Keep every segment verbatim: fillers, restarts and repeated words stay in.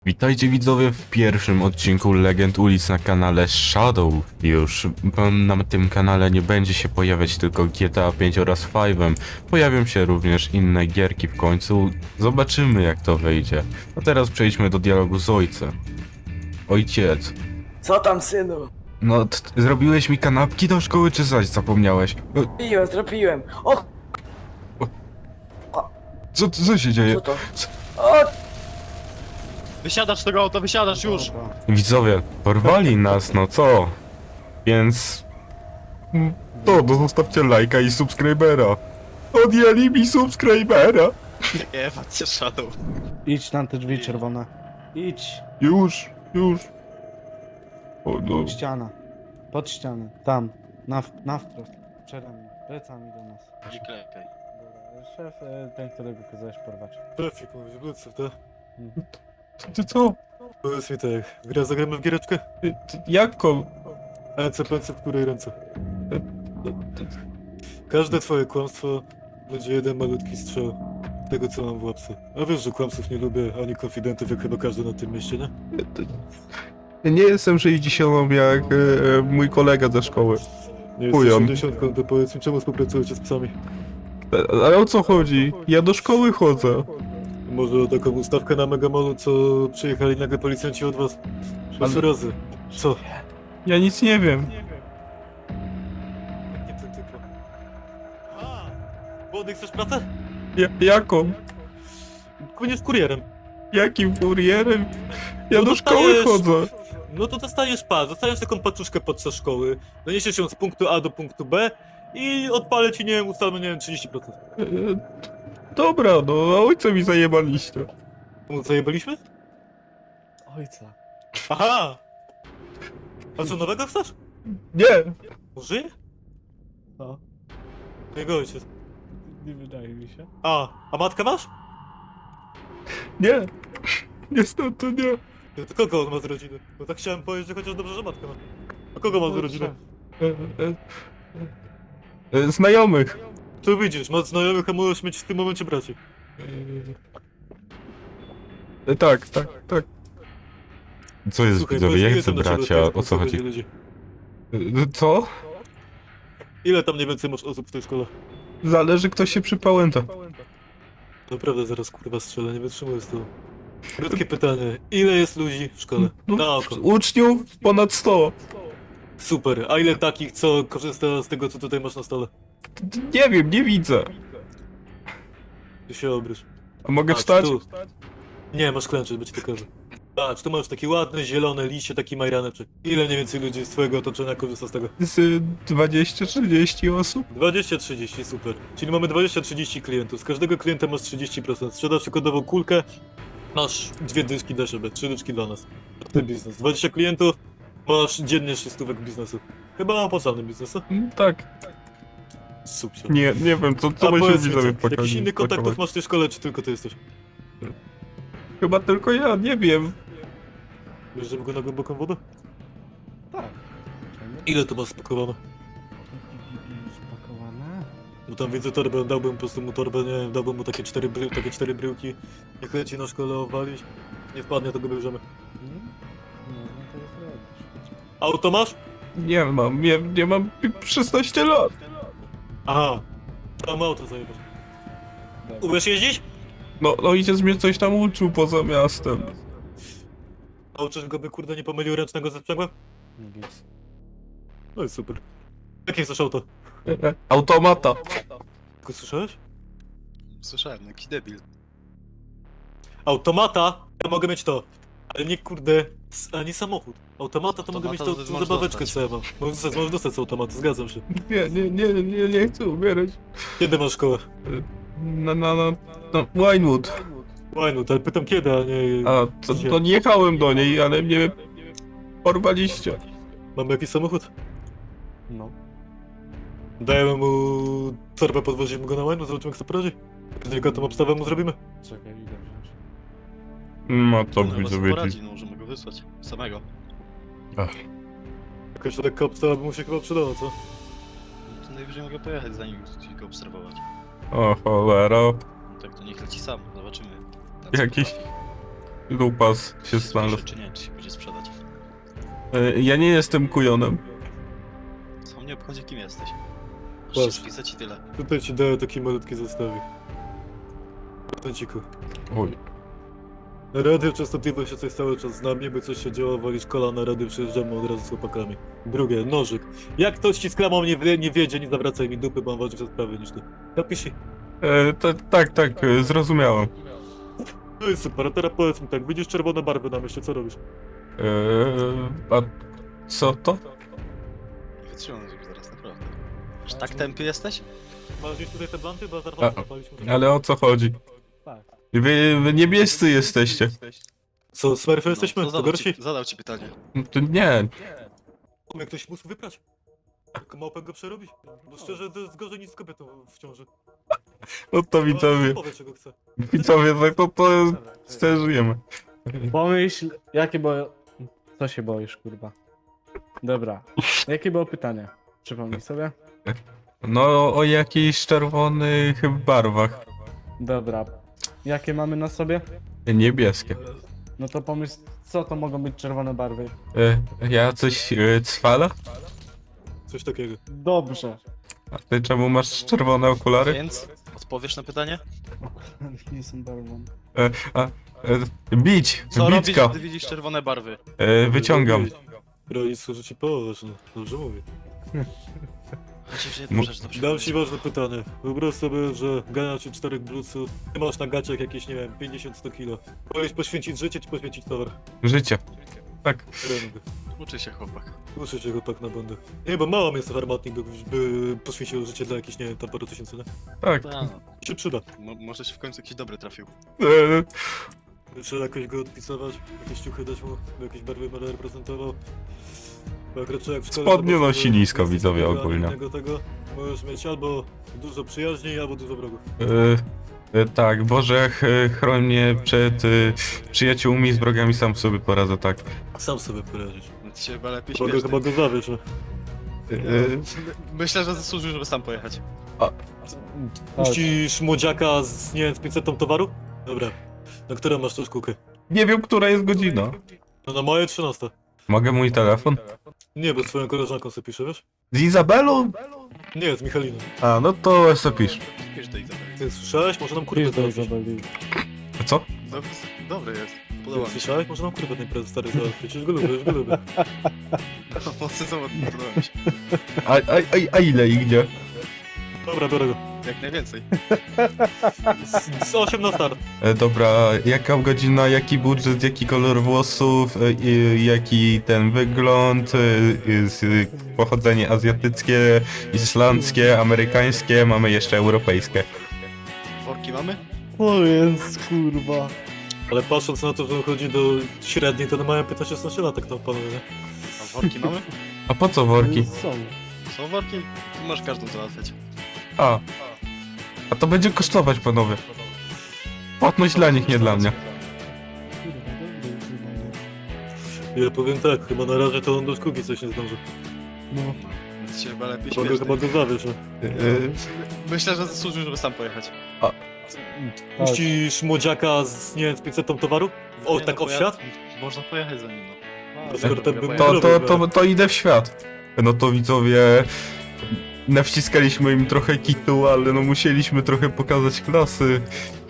Witajcie widzowie w pierwszym odcinku Legend Ulic na kanale Shadow. Już na tym kanale nie będzie się pojawiać tylko G T A pięć oraz Five'em. Pojawią się również inne gierki w końcu. Zobaczymy jak to wyjdzie. A teraz przejdźmy do dialogu z ojcem. Ojciec. Co tam, synu? No, t- zrobiłeś mi kanapki do szkoły czy zaś zapomniałeś? No, Zrobiłem, zrobiłem. O, co, co się dzieje? co to? Co? O, Wysiadasz z tego auta, wysiadasz już! Widzowie, porwali nas, no co? Więc... To, no zostawcie lajka i subskrybera. Odjęli mi subskrybera. Nie, patrzcie Shadow. Idź na te drzwi czerwone. Idź. Już, już. O no. Ściana. Pod ścianę. Tam. Na, w- na wprost. Przede mną. Plecami do nas. Nie klekaj. Dobra. Szef, e, ten, którego kazałeś porwać. Trafik, mówisz, wrócę, tak? Ty, ty co? Powiedz mi tak, gra zagramy w giereczkę? Ty, ty, Jako? Ręce, pęce, w której ręce? Ty, Każde twoje kłamstwo będzie jeden malutki strzał tego, co mam w łapce. A wiesz, że kłamców nie lubię, ani konfidentów, jak chyba każdy na tym mieście, nie? ty, ty. Nie jestem sześćdziesiątą jak e, e, mój kolega ze szkoły. Nie Chują. jesteś osiemdziesiątką, to powiedz mi, czemu współpracujecie z psami? E, Ale o co chodzi? Ja do szkoły chodzę. Może o taką ustawkę na Megamolu, co przyjechali nagle policjanci od was? Sześć Ale- razy. Co? Ja nic nie wiem. Jak nie ten typ? A! Młody, chcesz pracę? Ja, jaką? Płyniesz kurierem. Jakim kurierem? Ja No do szkoły dostajesz- chodzę. No to dostajesz pas, dostajesz taką paczuszkę podczas szkoły, doniesiesz ją z punktu A do punktu B i odpalę ci, nie wiem, ustalmy, nie wiem, trzydzieści procent. E, Dobra, no a ojca mi zajebaliście. Mu zajebaliśmy? Ojca. Aha! A co, nowego chcesz? Nie! Żyje? Co? Jego ojciec. Nie wydaje mi się. A, a matkę masz? Nie! Niestety nie. No to kogo on ma z rodziny? Bo tak chciałem powiedzieć, że chociaż dobrze, że matkę ma. A kogo ma z rodziny? E, e, e, znajomych. Tu widzisz, masz znajomych, a możesz mieć w tym momencie braci. E, tak, tak, tak. Co jest Słuchaj, widzowie? powiedz, Ja ile chcę tam do ciebie bracia, teraz o co będzie chodzi? ludzi? E, Co? Ile tam mniej więcej masz osób w tej szkole? Zależy kto się przypałęta. Naprawdę zaraz kurwa strzelę, nie wytrzymuję z tego. Krótkie pytanie, ile jest ludzi w szkole? Na No, oko. uczniów ponad sto. Super, a ile takich, co korzysta z tego, co tutaj masz na stole? Nie wiem, nie widzę. Ty się obrysz. A mogę Patrz, wstać? tu. Nie, masz klęczeć, bo ci to każę. Patrz, tu masz takie ładne, zielone liście, taki majraneczek. Ile mniej więcej ludzi z twojego otoczenia korzysta z tego? Z dwadzieścia trzydzieści osób? dwadzieścia trzydzieści, super. Czyli mamy dwadzieścia trzydzieści klientów. Z każdego klienta masz trzydzieści procent. Sprzedasz przykładowo kulkę, masz dwie dyszki dla siebie, trzy dyszki dla nas. To biznes. dwadzieścia klientów, masz dziennie sześć stówek biznesu. Chyba opłacalny biznes, co? Mm, Tak. Super. Nie, nie wiem, co, co A my się powiedz mi, widzowie co, jakiś pokazać. inny kontaktów masz w tej szkole, czy tylko ty jesteś? Chyba tylko ja, nie wiem. Bierzemy go na głęboką wodę? Tak. Czemu? Ile to masz spakowane? Spakowane? Bo tam widzę torbę, dałbym po prostu mu torbę, nie wiem, dałbym mu takie cztery, bry, takie cztery bryłki. Niech leci na szkole owalić. Nie wpadnie, to go bierzemy. Hmm? No, no to jest robisz. Auto masz? Nie mam, nie, nie mam szesnaście lat. Aha. Tam auto zajebać. Umiesz jeździć? No, no ojciec mnie coś tam uczył poza miastem. Nauczysz go, by kurde nie pomylił ręcznego ze sprzęgłem? Nic. No i super. Jakie chcesz auto? E, e, Automata. Tylko słyszałeś? Słyszałem, jakiś debil. Automata? Ja mogę mieć to. Ale nie kurde, s- ani samochód. Automata to mogę mieć Automata tą, to tą możesz zabaweczkę, dostać. co ja mam. Możesz dostać, możesz dostać z automatu, zgadzam się. Nie, nie, nie, nie, nie chcę umierać. Kiedy masz szkołę? Na, na, na, no, Winewood. Fajno, ale pytam kiedy, a nie... A, to, to nie jechałem do niej, ale mnie porwaliście. Mamy jakiś samochód? No. Dajemy mu torbę, podwozimy go na łajno, zobaczymy jak sobie poradzi. Delikatną obstawę mu zrobimy. Czekaj, idę wziąć. No to No, widzę, sobie wiecie. poradzi, no możemy go wysłać. Samego. Jakaś lekka obstawa by mu się chyba przydała, co? No to najwyżej mogę pojechać za nim i go obserwować. O cholera. No tak to niech leci sam, zobaczymy. na co Jakiś... potrafi. Lupas się znalazł. Czy nie, czy się będzie sprzedać? E, Ja nie jestem kujonem. Co mnie obchodzi, kim jesteś? Możesz Patrz. się spisać i tyle. Tutaj ci daję taki malutki zestawik. Tęciku. Oj. Radio częstotliwość jest cały czas z nami, by coś się działo, walisz kolana, radio przyjeżdżamy od razu z chłopakami. Drugie, nożyk. Jak ktoś ci z klamą nie, wie- nie wiedzie, nie zawracaj mi dupy, bo mam ważniejsze sprawy niż ty. Napisz. E, ta, tak, tak, e, zrozumiałem. No i super, a teraz powiedz mi tak, widzisz czerwone barwy na myśli, co robisz? E, a co to? Nie wytrzymam już zaraz, naprawdę. Aż tak tępy jesteś? Masz gdzieś tutaj te blanty, bo A, zaraz zapaliśmy. Ale o co chodzi? Tak. Wy, wy niebiescy jesteście. Co, smurfy jesteśmy? No, To zadał, gorsi? ci, zadał ci pytanie. No to nie. Jak ktoś mógł wyprać? Tylko małpę go przerobić? Bo szczerze, to jest gorzej niż z kobietą w ciąży. No to widzowie. Powiedz, czego chce. Widzowie, tak to, to żyjemy. Pomyśl, jakie było... Co się boisz, kurwa? Dobra. Jakie było pytanie? Przypomnij sobie. No o jakichś czerwonych barwach. Dobra. Jakie mamy na sobie? Niebieskie. No to pomyśl, co to mogą być czerwone barwy? E, ja coś e, cwala? Coś takiego. Dobrze. A ty czemu masz czerwone okulary? Więc odpowiesz na pytanie? Nie są barwą. E, a, e, bić! Co robisz, Bicka! gdy widzisz czerwone barwy? E, wyciągam. Rodzic służy ci połowę, no. Dobrze mówię. Myślisz, że Mo- nie możesz to Dam ci przeprowadzić? ważne pytanie. Wyobraź sobie, że gania ci czterech bluców, ty masz na gaciach jakieś, nie wiem, pięćdziesiąt sto kilo. Powiesz poświęcić życie, czy poświęcić towar? Życie. Tak. Ręby. Uczy się chłopak. Muszę cię chłopak na bandę. Nie, bo mało jest armatnik, by, by poświęcił życie dla jakichś, nie wiem, tam paru tysięcy, nie? Tak. A, no. Się przyda. Mo może się w końcu jakiś dobry trafił. E, Trzeba jakoś go odpisować, jakieś ciuchy dać mu, by jakieś barwy będę reprezentował. Bo jak raczej jak w szkole... Spodnie to nosi że nisko, jesteś widzowie, tego, ogólnie. Tego, tego, możesz mieć albo dużo przyjaźni, albo dużo wrogów. e, e, tak, Boże, ch- chroń mnie przed e, przyjaciółmi z wrogami, sam sobie poradzę, tak. Sam sobie poradzisz. No ty się chyba lepiej Mogę śmiesz. chyba go zawiesz, no. E, Myślę, że zasłużył, żeby sam pojechać. Puścisz młodziaka z, nie wiem, z pięćset towaru? Dobra. Na którą masz tą szkółkę? nie wiem, która jest godzina. No na moje trzynaste. Mogę mój telefon? Nie, bo z twoją koleżanką sobie piszę, wiesz? Z Izabelą? Nie, z Michaliną. A, no to se pisz. Pisz do Izabeli. Ty słyszałeś? Może nam kurwę Pisz do załatwić. Izabeli. A co? Dobry, dobry jest. Podoba Ty mi się. słyszałeś? Może nam kurwę ten prezes stary załatwić. Przecież go lubię, już go lubię. Mocno to podoba mi się. A, a, a, a ile i gdzie? Dobra, biorę go. Jak najwięcej. Z, z osiem na start. E, dobra, jaka godzina, jaki budżet, jaki kolor włosów, e, i, jaki ten wygląd, e, z, pochodzenie azjatyckie, islandzkie, amerykańskie, mamy jeszcze europejskie. Worki mamy? O jest, kurwa. Ale patrząc na to, że chodzi do średniej, to one mają piętnaście szesnaście lat, tak tam panowie, nie? A worki mamy? A po co worki? Są. Są worki? Tu możesz każdą załatwiać. A, a to będzie kosztować, panowie. Płatność dla nich, nie dla mnie. Kurwa, dobry jest Izabela. Ja powiem tak, chyba na razie to on do szkółki coś nie zdąży. No. Więc się chyba lepiej Mogę śmiesz. chyba go zawiesz, no. E, Myślę, że zasłużył, żeby sam pojechać. Tak. Puścisz młodziaka z, nie wiem, z pięćset towaru? O, Nie, tak no, o poja- świat? Można pojechać za nim, no. To skoro ten bym to, to, to, to idę w świat. No to widzowie, nawciskaliśmy im trochę kitu, ale no musieliśmy trochę pokazać klasy.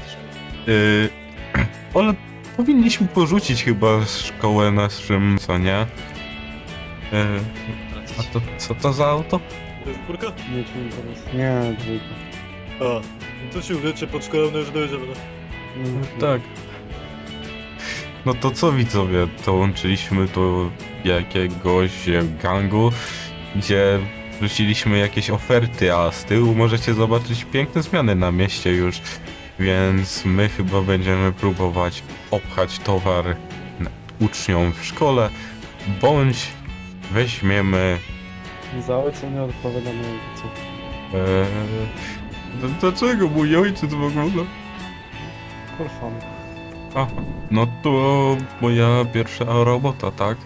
Yy, ale powinniśmy porzucić chyba szkołę naszym, co nie? Yy, a to co to za auto? To jest czwórka? Nie ci interes. Nie, dwójka. A, no to się uwiecie pod szkołą, no już dojedziemy, no. Mm, Tak. No to co widzowie, dołączyliśmy do jakiegoś gangu, gdzie wrzuciliśmy jakieś oferty, a z tyłu możecie zobaczyć piękne zmiany na mieście już, więc my chyba będziemy próbować obchać towar na- uczniom w szkole, bądź weźmiemy... Za ojca nie odpowiada na ojcu. Eee, d- dlaczego mój ojciec w ogóle? For fun. Aha, no to moja pierwsza robota, tak?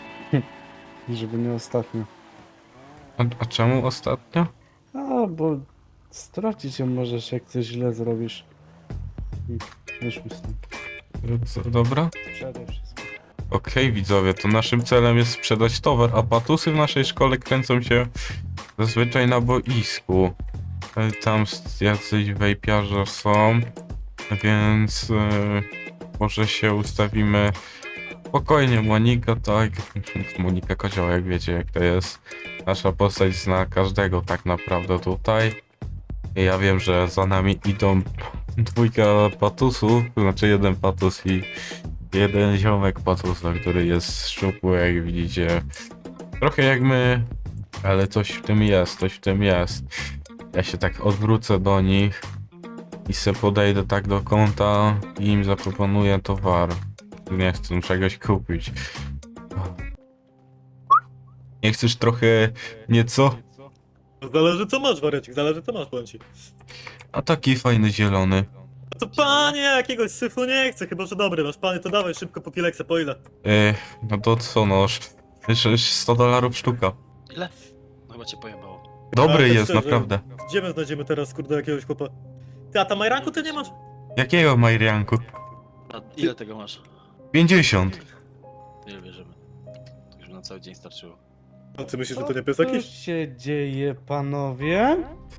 Żeby nie ostatnio. A, a czemu ostatnio? A, bo stracić ją możesz, jak coś źle zrobisz. Mm, Wyszły stąd. Co, dobra? Przede wszystkim. Okej, widzowie, to naszym celem jest sprzedać towar, a patusy w naszej szkole kręcą się zazwyczaj na boisku. E, Tam s- jacyś wejpiarze są, więc e, może się ustawimy spokojnie. Monika, tak, Monika Kozioł, jak wiecie jak to jest. Nasza postać zna każdego tak naprawdę tutaj. I ja wiem, że za nami idą dwójka patusów, to znaczy jeden patus i jeden ziomek patusa, który jest szczupły, jak widzicie. Trochę jak my, ale coś w tym jest, coś w tym jest. Ja się tak odwrócę do nich i se podejdę tak do kąta i im zaproponuję towar. Nie chcę czegoś kupić. Nie chcesz trochę nieco? Zależy co masz, wariacik, zależy co masz, powiem ci. A taki fajny zielony. To panie, jakiegoś syfu nie chcę, chyba że dobry masz. Panie, to dawaj szybko po kileksa, po ile? E, no to co noż? sto dolarów sztuka. Ile? No chyba cię pojebało. Dobry Ale tak jest, szczerze, naprawdę. Gdzie my znajdziemy teraz, kurde, jakiegoś chłopa? Ty, a tam majranku ty nie masz? Jakiego Majrianku? A ile tego masz? pięćdziesiąt. Ile bierzemy? To już by na cały dzień starczyło. A ty myślisz, że to nie Co pies tu jakiś? się dzieje, panowie?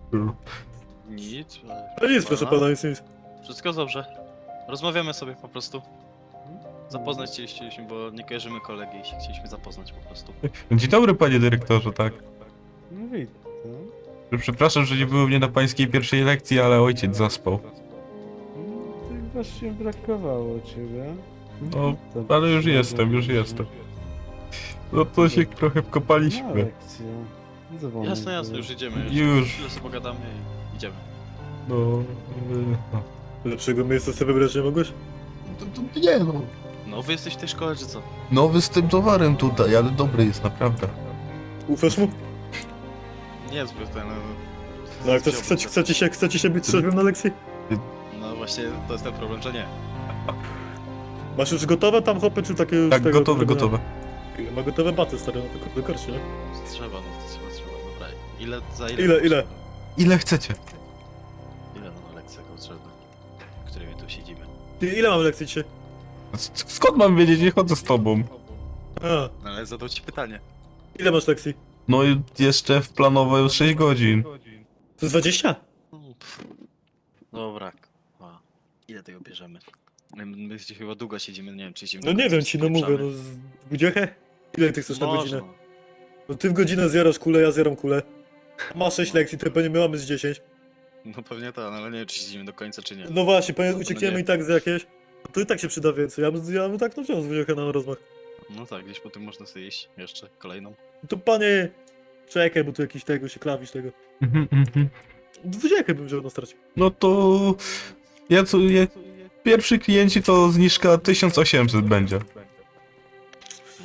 Nic, ale... A nic, proszę pana, nic, nic. Wszystko dobrze. Rozmawiamy sobie po prostu. Zapoznać się chcieliśmy, bo nie kojarzymy kolegi i się chcieliśmy zapoznać po prostu. Dzień dobry, panie dyrektorze, tak. No widzę. Przepraszam, że nie było mnie na pańskiej pierwszej lekcji, ale ojciec zaspał. No, tak właśnie brakowało ciebie. No, To ale już się jestem, już dobrze. jestem. No to się trochę Na wkopaliśmy. lekcję. Dzwonek Jasne, jasne, był. już idziemy. Już. Chwilę sobie pogadamy i idziemy. No, yy, no. Lepszego miejsca sobie wybrać nie mogłeś? To, to nie no. No, wy jesteś w tej szkole, czy co? Nowy z tym towarem tutaj, ale dobry jest Naprawdę. Ufasz mu? Niezbyt ten... No jak chcesz, chcecie, chcecie się, chcecie się być trzeźwym na lekcji? No właśnie, to jest ten problem, że nie. Masz już gotowe tam hopy, czy takie już Tak, tego, gotowe, tego- gotowe. Ma gotowe baty, stary, no to kurde korci, nie? Trzeba, no to trzeba, trzeba, dobra. Ile, za ile? Ile, ile? Ile chcecie? Ile no lekcja potrzebna? W której my tu siedzimy? Ty, ile mamy lekcji dzisiaj? S- Skąd mam wiedzieć, nie chodzę z tobą? A, No ale zadał ci pytanie. ile masz lekcji? No i jeszcze w planowo już sześć godzin. To jest dwadzieścia? No, pff. Dobra, a, ile tego bierzemy? My, my gdzieś chyba długo siedzimy, nie wiem czy siedzimy No do nie końca, wiem czy ci, no mówię, spieprzamy. no z budziechę? Ile ty chcesz na Można. godzinę? No ty w godzinę zjarasz kulę, ja zjaram kulę. Masz sześć lekcji, to pewnie my mamy z dziesięć. No pewnie tak, no, ale nie wiem czy siedzimy do końca czy nie. No właśnie, pewnie No uciekniemy nie. i tak z jakieś. To i tak się przyda więcej, ja bym, ja bym tak no wziął z budziechę na rozmach. No tak, gdzieś po tym można sobie iść jeszcze kolejną. To panie, czekaj, bo tu jakiś tego się klawisz tego. Mhm, mhm. Dwudziechę bym wziął na starcie. No to... Ja co... Ja... Pierwszy klienci to zniżka tysiąc osiemset będzie. No.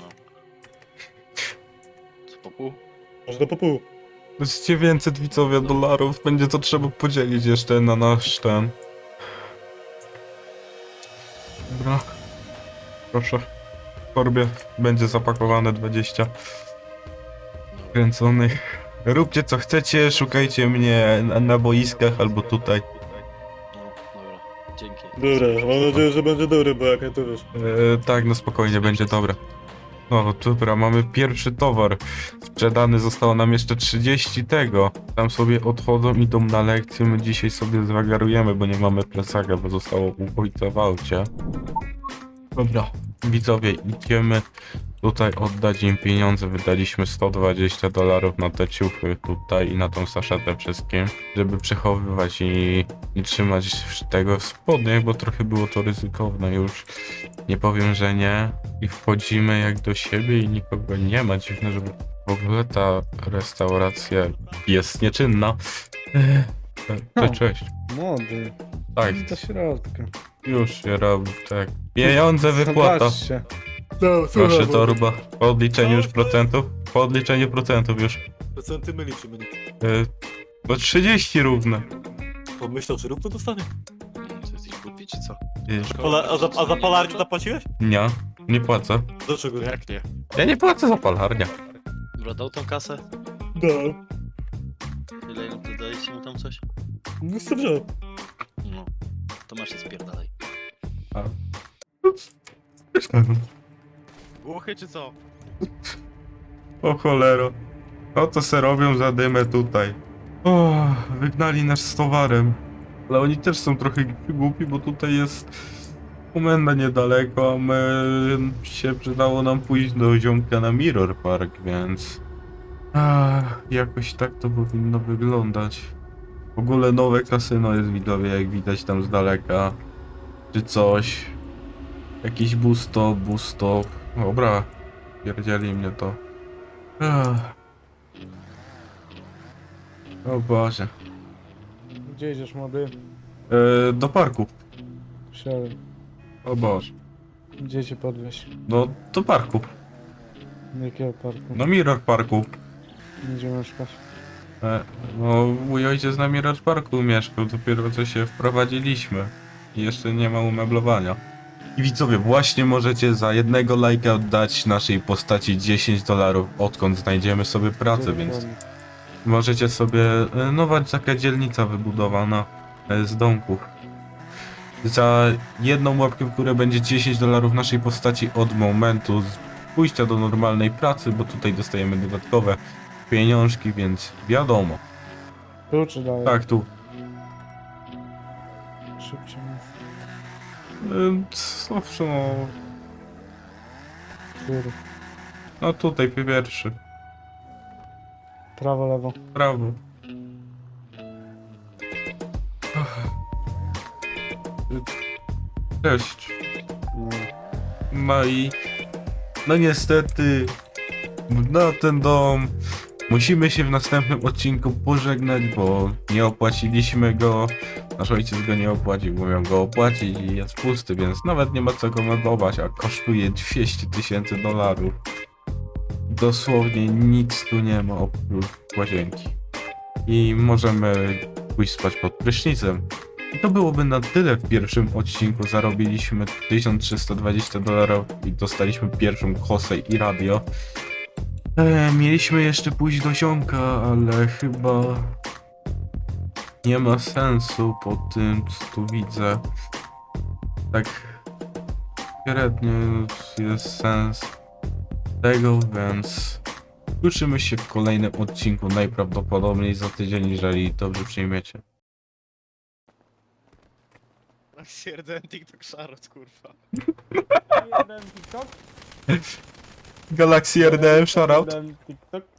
Co po pół? Można po pół. To jest dziewięćset widzowie dolarów, będzie to trzeba podzielić jeszcze na nasz ten. Dobra. Proszę. W torbie będzie zapakowane dwadzieścia No, kręconych. Róbcie co chcecie, szukajcie mnie na, na boiskach albo tutaj. no dobra, dzięki. Dobra, mam nadzieję, że będzie dobry, bo jak nie to wiesz. E, tak, no spokojnie, będzie dobre. No dobra, mamy pierwszy towar. Sprzedany zostało nam jeszcze trzydzieści tego. Tam sobie odchodzą, idą na lekcję, my dzisiaj sobie zwagarujemy, bo nie mamy plecaka, bo zostało u ojca w aucie. Dobra, widzowie, idziemy tutaj oddać im pieniądze. Wydaliśmy sto dwadzieścia dolarów na te ciuchy tutaj i na tą saszetę wszystkim, żeby przechowywać i, i trzymać tego w spodniach, bo trochę było to ryzykowne już. Nie powiem, że nie. I wchodzimy jak do siebie i nikogo nie ma. Dziwne, żeby w ogóle ta restauracja jest nieczynna. Eee, Cześć. Młody. Tak, Do środka. już się robi, tak. Pieniądze wypłata. Zobaczcie. No, Proszę torba. Po odliczeniu już procentów. Po odliczeniu procentów już. Procenty my liczymy, nie? Eee, No trzydzieści równe. Pomyślał, że równo dostanie. Co, jesteś głupi czy co? Wiesz, Pola, a, za, a za palarnię zapłaciłeś? Nie, nie płacę. Dlaczego nie? Jak nie? Ja nie płacę za palarnia. Dobra, dał tą kasę? No. Ile im ty daliście mu tam coś? No co wziął? No. To masz się spierdalaj. Głuchy czy co? O cholero. No to se robią za dymę tutaj. O, wygnali nas z towarem. Ale oni też są trochę głupi, bo tutaj jest komenda niedaleko, a my się przydało nam pójść do ziomka na Mirror Park, więc... Ach, jakoś tak to powinno wyglądać. W ogóle nowe kasyno jest widzowie, jak widać tam z daleka. Czy coś. Jakiś busto, busto. Dobra, pierdzieli mnie to. Ach. O Boże. Gdzie idziesz, młody? E, do parku. Wsiadaj. O Boże. Gdzie cię podwieźć? No, do parku. Do jakiego parku? No Mirror Parku. Gdzie mieszkasz? E, no, mój ojciec na Mirror Parku mieszkał, dopiero co się wprowadziliśmy. I jeszcze nie ma umeblowania. I widzowie, właśnie możecie za jednego lajka dać naszej postaci dziesięć dolarów, odkąd znajdziemy sobie pracę, Gdzie więc dokładnie? możecie sobie... e, Nowa taka dzielnica wybudowana e, z domków. Za jedną łapkę w górę będzie dziesięć dolarów naszej postaci od momentu z pójścia do normalnej pracy, bo tutaj dostajemy dodatkowe pieniążki, więc wiadomo. Tu czy dalej? Tak, tu. Szybciej mów. Ym, Zawsze no... Który? No tutaj pierwszy. Prawo, lewo. Prawo. Ach. Cześć. No. No i... No niestety... Na ten dom... Musimy się w następnym odcinku pożegnać, bo nie opłaciliśmy go. Nasz ojciec go nie opłacił, bo miał go opłacić i jest pusty, więc nawet nie ma co go meblować, a kosztuje dwieście tysięcy dolarów. Dosłownie nic tu nie ma oprócz łazienki. I możemy pójść spać pod prysznicem. I to byłoby na tyle w pierwszym odcinku. Zarobiliśmy tysiąc trzysta dwadzieścia dolarów i dostaliśmy pierwszą kosę i radio. E, mieliśmy jeszcze pójść do ziomka, ale chyba nie ma sensu po tym, co tu widzę. Tak średnio jest sens tego, więc słyszymy się w kolejnym odcinku, najprawdopodobniej za tydzień, jeżeli dobrze przyjmiecie. Stwierdzałem TikTok szarot, kurwa. Jeden TikTok? Galaxy R D M, shoutout. Jeden TikTok.